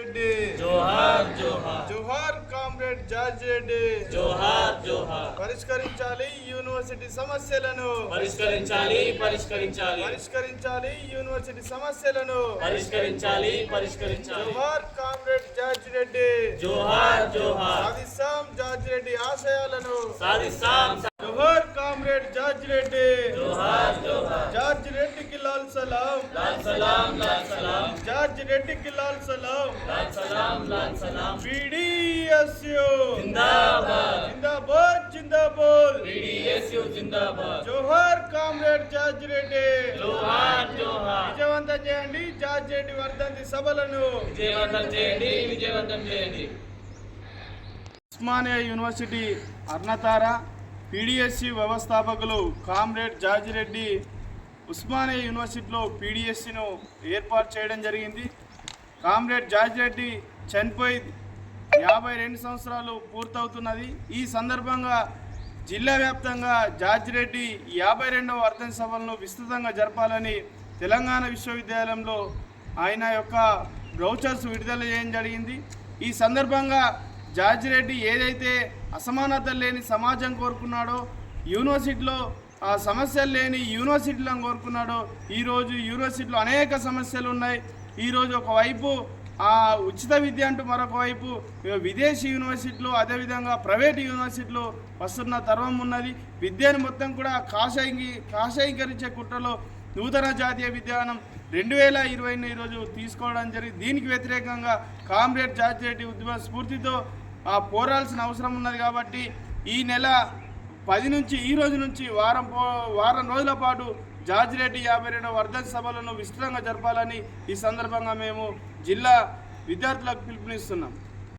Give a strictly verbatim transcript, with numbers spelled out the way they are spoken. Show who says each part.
Speaker 1: రెడ్డి
Speaker 2: జోహార్ జోహార్
Speaker 1: జోహార్ కామ్రేడ్ జార్జ్ రెడ్డి
Speaker 2: జోహార్ జోహార్
Speaker 1: పరిష్కరించాలి యూనివర్సిటీ సమస్యలను
Speaker 2: పరిష్కరించాలి పరిష్కరించాలి
Speaker 1: పరిష్కరించాలి యూనివర్సిటీ సమస్యలను
Speaker 2: పరిష్కరించాలి పరిష్కరించాలి
Speaker 1: జోహార్ కామ్రేడ్ జార్జ్ రెడ్డి
Speaker 2: జోహార్ జోహార్
Speaker 1: సాధిస్తాం జార్జ్ రెడ్డి ఆశయాలను
Speaker 2: సాధిస్తాం
Speaker 1: జోహార్ కామ్రేడ్ జార్జ్ రెడ్డి
Speaker 2: జోహార్ జోహార్
Speaker 1: జార్జ్ రెడ్డికి లాల్ సలాం
Speaker 2: లాల్ సలాం లాల్ సలాం
Speaker 1: జార్జ్ రెడ్డికి లాల్ సలాం
Speaker 2: లాల్ సలాం లాల్ సలాం
Speaker 1: పీడీఎస్యు
Speaker 2: జిందాబాద్
Speaker 1: జిందాబాద్ జిందాబాద్
Speaker 2: పీడీఎస్యు జిందాబాద్
Speaker 1: జోహార్ కామ్రేడ్ జార్జ్ రెడ్డి
Speaker 2: జోహార్ జోహార్
Speaker 1: విజయవంతం చేయండి జార్జ్ రెడ్డి వర్ధంతి సభలను
Speaker 2: విజయవంతం చేయండి విజయవంతం చేయండి
Speaker 1: ఉస్మానియా యూనివర్సిటీ అర్ణతార పీడీఎస్సీ వ్యవస్థాపకులు కామ్రేడ్ జార్జ్ రెడ్డి ఉస్మానియా యూనివర్సిటీలో పీడీఎస్సీను ఏర్పాటు చేయడం జరిగింది. కామ్రేడ్ జార్జ్ రెడ్డి చనిపోయి యాభై రెండు సంవత్సరాలు పూర్తవుతున్నది. ఈ సందర్భంగా జిల్లా వ్యాప్తంగా జార్జ్ రెడ్డి యాభై రెండవ వర్ధంతి సభలను విస్తృతంగా జరపాలని తెలంగాణ విశ్వవిద్యాలయంలో ఆయన యొక్క బ్రౌచర్స్ విడుదల చేయడం జరిగింది. ఈ సందర్భంగా జార్జ్ రెడ్డి ఏదైతే అసమానతలు లేని సమాజం కోరుకున్నాడో, యూనివర్సిటీలో ఆ సమస్యలు లేని యూనివర్సిటీలను కోరుకున్నాడో, ఈరోజు యూనివర్సిటీలో అనేక సమస్యలు ఉన్నాయి. ఈరోజు ఒకవైపు ఆ ఉచిత విద్య అంటూ మరొక వైపు విదేశీ యూనివర్సిటీలు, అదేవిధంగా ప్రైవేటు యూనివర్సిటీలు వస్తున్న తరం ఉన్నది. విద్యను మొత్తం కూడా కాషాయి కాషాయీకరించే కుట్రలో నూతన జాతీయ విధానం రెండు వేల ఇరవైను ఈరోజు తీసుకోవడం జరిగింది. దీనికి వ్యతిరేకంగా కామ్రేడ్ జార్జ్ రెడ్డి ఉద్యమ స్ఫూర్తితో ఆ పోరాల్సిన అవసరం ఉన్నది. కాబట్టి ఈ నెల పది నుంచి ఈ రోజు నుంచి వారం పో వారం రోజుల పాటు జార్జ్ రెడ్డి యాభై రెండవ వర్ధంతి సభలను విస్తృతంగా జరపాలని ఈ సందర్భంగా మేము జిల్లా విద్యార్థులకు పిలుపునిస్తున్నాం.